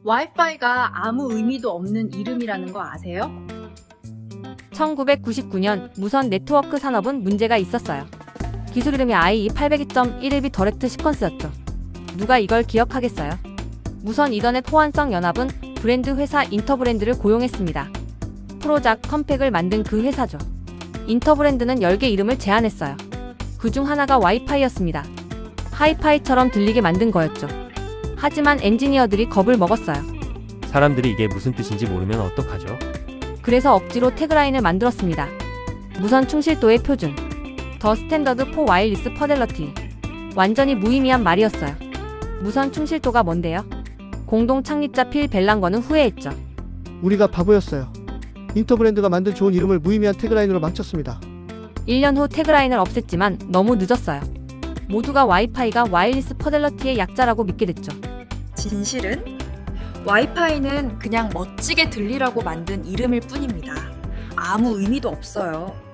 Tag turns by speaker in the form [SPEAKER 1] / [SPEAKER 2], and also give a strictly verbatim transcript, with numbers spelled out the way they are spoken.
[SPEAKER 1] 와이파이가 아무 의미도 없는 이름이라는 거 아세요?
[SPEAKER 2] 천구백구십구 년 무선 네트워크 산업은 문제가 있었어요. 기술 이름이 아이이 팔공이 점 일일 비 더렉트 시퀀스였죠. 누가 이걸 기억하겠어요? 무선 이더넷 호환성 연합은 브랜드 회사 인터브랜드를 고용했습니다. 프로작 컴팩을 만든 그 회사죠. 인터브랜드는 열 개 이름을 제안했어요. 그 중 하나가 와이파이였습니다. 하이파이처럼 들리게 만든 거였죠. 하지만 엔지니어들이 겁을 먹었어요.
[SPEAKER 3] 사람들이 이게 무슨 뜻인지 모르면 어떡하죠?
[SPEAKER 2] 그래서 억지로 태그라인을 만들었습니다. 무선 충실도의 표준. 더 스탠더드 포 와일리스 퍼델러티. 완전히 무의미한 말이었어요. 무선 충실도가 뭔데요? 공동 창립자 필 벨랑거는 후회했죠.
[SPEAKER 4] 우리가 바보였어요. 인터브랜드가 만든 좋은 이름을 무의미한 태그라인으로 망쳤습니다.
[SPEAKER 2] 일 년 후 태그라인을 없앴지만 너무 늦었어요. 모두가 와이파이가 와일리스 퍼델러티의 약자라고 믿게 됐죠.
[SPEAKER 5] 진실은 와이파이는 그냥 멋지게 들리라고 만든 이름일 뿐입니다. 아무 의미도 없어요.